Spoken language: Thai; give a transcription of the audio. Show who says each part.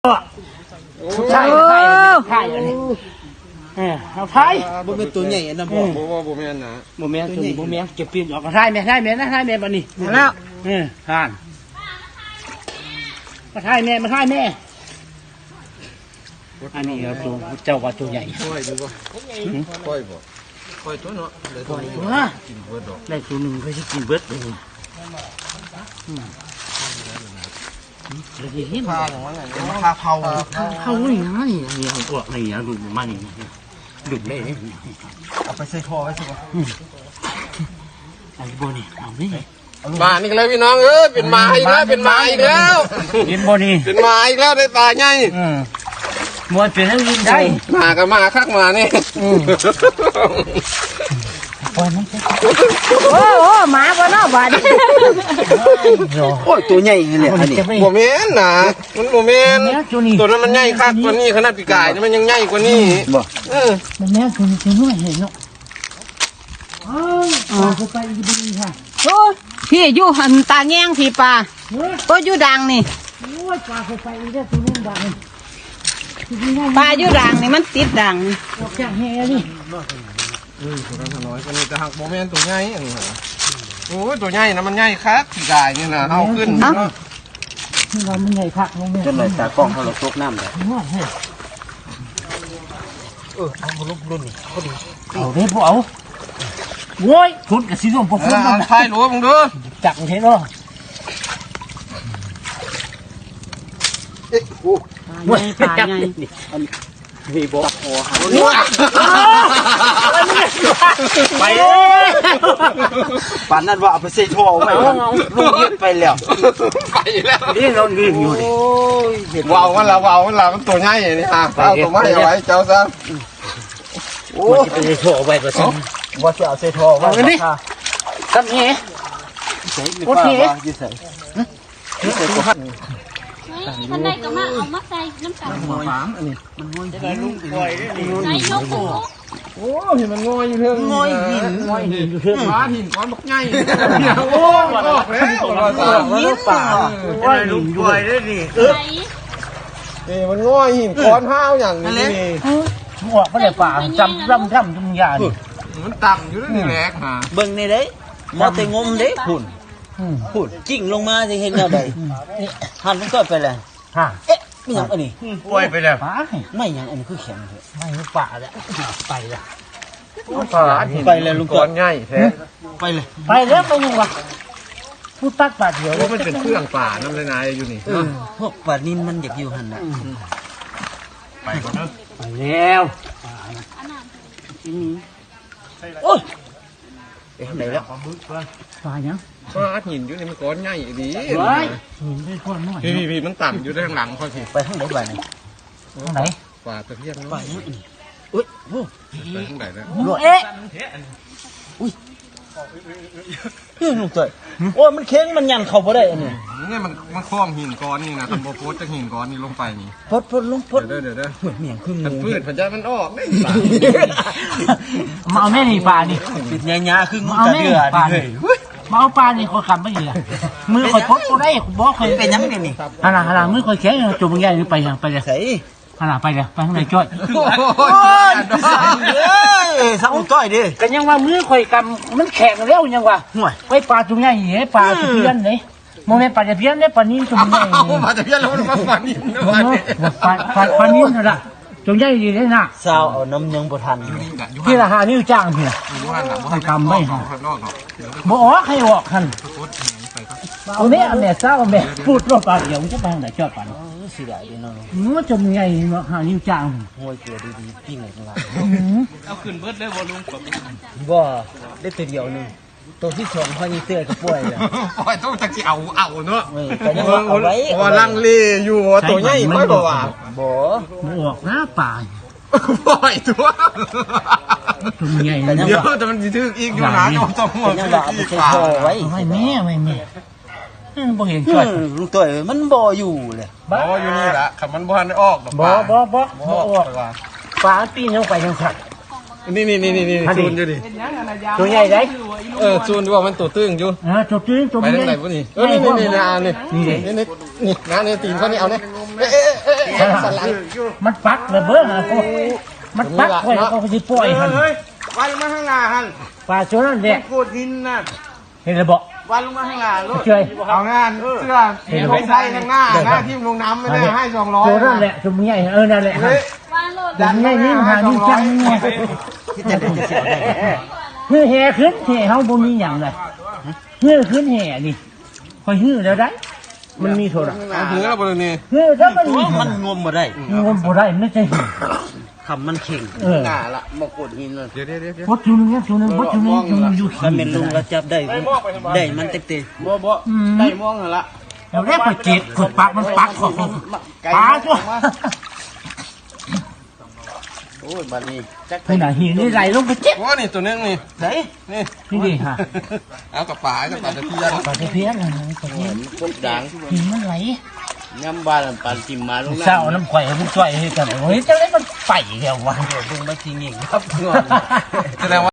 Speaker 1: ใช่ใช่อันนี้เอาไทย
Speaker 2: บ่เป็นตัวใหญ่นะพ่อ
Speaker 3: บ่แม่นนะ
Speaker 1: บ่แม่นตัวนี้บ่แม่นเก็บเปลี่ยนออกก็ไทยแม่ไทยแม่นะไทยแม่บัดนี้
Speaker 2: แล้ว
Speaker 1: ห่านมาไทยแม่มาไทยแม่อันนี้ครับตัวเจ้าว่าตัวใหญ่
Speaker 3: ค่อยดูบ่ค่อยบ่ค่อยตัวเนาะเลยตัวนี้กินเบิดดอก
Speaker 1: ได้ตัวหนึ่งก็จะกินเบิดเลยเลยเห็น
Speaker 3: ผ้าของมันน่ะผ้าเผา
Speaker 1: นี่นี่พวกนี่ดูมันนี่ดุเลย
Speaker 2: เอาไปใส่ท่อไว้สิบ่
Speaker 1: ไอ้บ่นี่เอานี่
Speaker 3: มานี่เลยพี่น้องเป็นมาอีกแล้วเป็นมาอีกแล้ว
Speaker 1: เห็นบ่นี่
Speaker 3: เป็นมาอีกแล้วได้ปลาใหญ่
Speaker 1: มวนเป็นให้ยินได้
Speaker 3: มาก็มาคักมานี่
Speaker 1: โ
Speaker 4: โอ้หมาบ่เนาะบาด
Speaker 2: โอ้ยตัวใหญ่เลยอันนี้
Speaker 3: บ่แม่นนะมันบ่แม่นตัวนั้นมันใหญ่คักกว่านี้ขนาดปีกายมันยังใหญ่กว่านี้
Speaker 2: บ่
Speaker 1: มันแม่คือน้อยเห็นเนาะไปดีค่ะ
Speaker 4: โอ้พี่อยู่หันตาแง่งพี่ปลาก็อยู่ดังนี่
Speaker 1: โอ้ยปลาไปอีกแล้วตัวนึงดัง
Speaker 4: ปลาอยู่ดังนี่มันติดดัง
Speaker 1: ออกจากแห่นี่
Speaker 3: ตัวนั้นน้อยกว่านี้แต่หักบ่แม่นตัวใหญ่อันนี้โอ้ยตัวใหญ่นะมันใหญ่คักปีกายนี่นะเอาขึ้น
Speaker 1: นี่เรามันใหญ่คักลงแม่
Speaker 2: จนเลยตากล้องเขาเราตกน้ำเลย
Speaker 1: เอาบ่ลุกรุ่นนี่พอดีเอาเด้บ่เอาโว้ยทุนกับสีส้มพวกคุณ
Speaker 3: มันไฟหลวงมึงดู
Speaker 1: จักเห็นบ่
Speaker 4: ใหญ่ปลาใหญ่
Speaker 1: มีบ่ไป
Speaker 2: ปานนั้นว่าเอาไปใส่ท่อไว้ลูกเย็ดไปแล้ว
Speaker 3: ไปแล้ว
Speaker 1: นี่เรายืนอยู่ดิ
Speaker 3: ว้าวมันละมันตัวใหญ่นี่ฮะเอาตัวไม้เอาไว้เจ้าซะ
Speaker 1: โอ้ยไปใส่ท่อไว้ก็ซั่น
Speaker 2: ว่าจะเอาใส่ท่อไว้
Speaker 1: นี่ทำนี่
Speaker 2: โอเคใส่
Speaker 5: ท่านใดก็มาเอามาใส่น้ำตาล
Speaker 2: หอมอันนี้มันงอยจะได้ลูกปล่อยได้ดิ
Speaker 5: ใส่ยกหู
Speaker 3: โอ้เห็นมันงอยอยู่เทิง
Speaker 2: งอยหิน
Speaker 3: อยู่เทิงฟ้าหินก้อนบักใหญ่โอ้ยบอกแล้ว
Speaker 2: หินป่าจะได้ลูกปล่อยได้ดิ
Speaker 3: นี่มันงอยหินก้อนห้าวอย่างนี้นี่
Speaker 1: หัวบ่ได้ป่าจำร่ำจุ่มยานี่
Speaker 3: มันต่ำอยู่นี่แหละฮะ
Speaker 2: เบิ่งในเด้มาแต่งมเด้พุ่นจิ้งลงมาจะเห็นแนวใดหันมันก็ไปเลยเอ๊ะไม่ยังอันนี้
Speaker 1: ปล่อยไปแล้ว
Speaker 2: ไม่ยังอันนี้คือแข็งเลย
Speaker 1: ไม่ป่าแล้วไปแล้ว
Speaker 3: ไปเลยลุงก้อนใหญ่แท้
Speaker 2: ไปเลย
Speaker 1: ไปแล้วไปยังวะผู้ตักป่าเดียว
Speaker 3: มันเป็นเครื่องป่าน้ำเลยนายอยู่นี่
Speaker 2: พวกป่านินมันอยากอยู่หันน่ะ
Speaker 3: ไปก่อนเนอะ
Speaker 1: ไปแล้ว
Speaker 2: โอ้ยไปทางไหนแล้ว
Speaker 1: ป่ายัง
Speaker 3: ว่าหินอยู่นี่มันก้อนใหญ่ดี
Speaker 1: หินได้ก้อนน้อย
Speaker 3: พี่มันต่ำอยู่ด้านหลังค่อย
Speaker 2: ไปทางไหนไปไหน
Speaker 1: ไหน
Speaker 3: ป่าตะเพียน
Speaker 2: ป่ายังอีกอุ้ยโอ้
Speaker 3: ไปทางไหนนะ
Speaker 1: เอ๊ะ
Speaker 2: อุ้ยลุงเตยโอ้มันเค้งมันยันเข้าบ่ได้อันนี้
Speaker 3: นี่มันคล้องหินก้อนนี่นะทำโบโพสจะหินก้อนนี่ลงไปนี่
Speaker 2: พดลงพด
Speaker 3: เดี๋ยว
Speaker 2: เหมือนเมียงคืองู
Speaker 3: พืชพันธุ์มันออกไม่ป่า
Speaker 1: มาเอาแม่นี่ป่านี่
Speaker 2: ติดยาคืองูกระเดือ
Speaker 1: นี่เลยมาเอาปลานี่คนคำไม่ดีมือคอยพดก็ได้บอกเคย
Speaker 2: เป็นยังไงนี่
Speaker 1: ฮามือคอยแข็งจุ่มใหญ่นี่ไปยังไปเลย
Speaker 2: ใส่
Speaker 1: ไปเลยไปข้างในจ้อย
Speaker 2: โอ้ยสักจ้อยดิ
Speaker 1: กันยังว่ามือคอยกำมันแข็งแล้วยังว่าไปปลาจุ่มใหญ่เหี้ยปลาจุ่มเพี้ยนเลยโมเมนต์ปลาจะเพี้ยนเนี่ยปลานิ่มจุ่มใหญ่
Speaker 3: ปลาจะเพี้ยนแล้วมันปลานิ่มนะ
Speaker 1: ปลานิ่มนะจุ่มใหญ่ดีเลยนะ
Speaker 2: สาวเอาน้ำยังบ่ทัน
Speaker 1: พี่ละหานิ้วจ้างพี่ไปกำไม่หาบ่ออกให้ออกคันเอาเนี่ยแม่สาวแม่พูดว่าปลาเดี๋ยวจะไปทางไหนจอดปลา
Speaker 2: สิได้ดิเนาะ
Speaker 1: มันจุ่มใหญ่หานิ้วจ้าง
Speaker 2: ห้วยเกลือดีๆปิ้งข้างล่าง
Speaker 3: เอาขึ้นเบิดได้บ่ลุง
Speaker 2: บ่ได้ตัวเดียวนึงตัวที่สองพอนี่เตื้อก็ป่วยเลย
Speaker 3: ป่วยต้องจะเอาเนาะ
Speaker 2: แต่ยังว่าเอาไว้
Speaker 3: ว่าลังเลอยู่ตัวใหญ่ไม่บ่ว่า
Speaker 2: บ่
Speaker 1: ออกหน้าป่า
Speaker 3: ปล่อยตัว
Speaker 1: ตัวใหญ่
Speaker 3: เดี๋ยวแต่มันทึกอีกอยู่นะต้องหัว
Speaker 2: ยังว่าไปใส่ท่อไว้
Speaker 1: ไม่แม่บ่เห็นจ้อย
Speaker 2: ลูกตัวมันบ่อยู่เลย
Speaker 3: บ่อยู่นี่แหละคันมันบ่ทันได้ออก
Speaker 1: บ่ออกปลาปีนลงไปยังสัตว์
Speaker 3: นี่ซูนอยู่ดิ
Speaker 1: ตัวใหญ่ได้
Speaker 3: ซูนดูว่ามันตัวตึงอยู่
Speaker 1: ตัวตึงตัว
Speaker 3: ไปทางไหนพวกนี้นี่นะนี่นะนี่ตีนเขานี่เอาเนี่ย
Speaker 1: ใช่มันปักเลยเบ้อมันปักไว้เขาจะปล่อยหัน
Speaker 3: วันลงมาข้างหน้าหัน
Speaker 1: ปลาตัวนั้นแหละ
Speaker 3: โคตรหินนะ
Speaker 1: เห็นระบอก
Speaker 3: วันลงมาข้างหน้าลูก
Speaker 1: เฉย
Speaker 3: เอางานเสื้อของใส่ข้างหน้าหน้าที่ลงน้ำไม่ได้ให้200
Speaker 1: ตัวนั้นแหละตัวใหญ่นั่นแหละ
Speaker 5: วางโลด
Speaker 1: ตัวใหญ่นี่หานี่จังเนี่ย
Speaker 2: ที่จะได้เสียได้
Speaker 1: ฮือแห่ขึ้นแห่เฮาบ่มีหยังเลยฮือขึ้นแห่นี่คอยฮือแล้วได้มันมีโทรศัพท์
Speaker 3: ถือแล้วบริเวณนี้
Speaker 1: ฮือถ้ามันมี
Speaker 2: มันงมบ่ได้
Speaker 1: งมบ่ได้ไม่ใช่หิน
Speaker 2: คำมันเข่ง
Speaker 3: หน้าละมากดหินเลยเดี๋ยว
Speaker 1: บดอยู่นึงนะตัวนึงบดอยู่นึงอยู่
Speaker 2: ถ้าเป็นลุงก็จับได้ได้มันเต็ม
Speaker 3: บ่ได้มองละ
Speaker 1: แล้วแรกไปเจ็ดกดปักมันปักของปลาตัว
Speaker 3: โอ้ยบัดนี้จัก
Speaker 1: ขนาดหินนี่ไหลลงไปเจ็บ
Speaker 3: โอ้นี่ตัวนึงนี่
Speaker 2: ๆไหน
Speaker 3: นี่
Speaker 1: นี่ดิฮะ
Speaker 3: เอากับป่าตะเพียน
Speaker 1: ปลาตะเพียนปลาเพียน
Speaker 3: พวกด่าง
Speaker 1: หินมันไหล
Speaker 3: ย้ำบ้านปานจิ้มมาลง
Speaker 1: เศร้าน้ำข่อยมันจ่อยให้กันโอ้ยจะได้มันไปแล้ววะ
Speaker 2: ลุงมาทีเงี้ยครับ
Speaker 3: แสดงว่า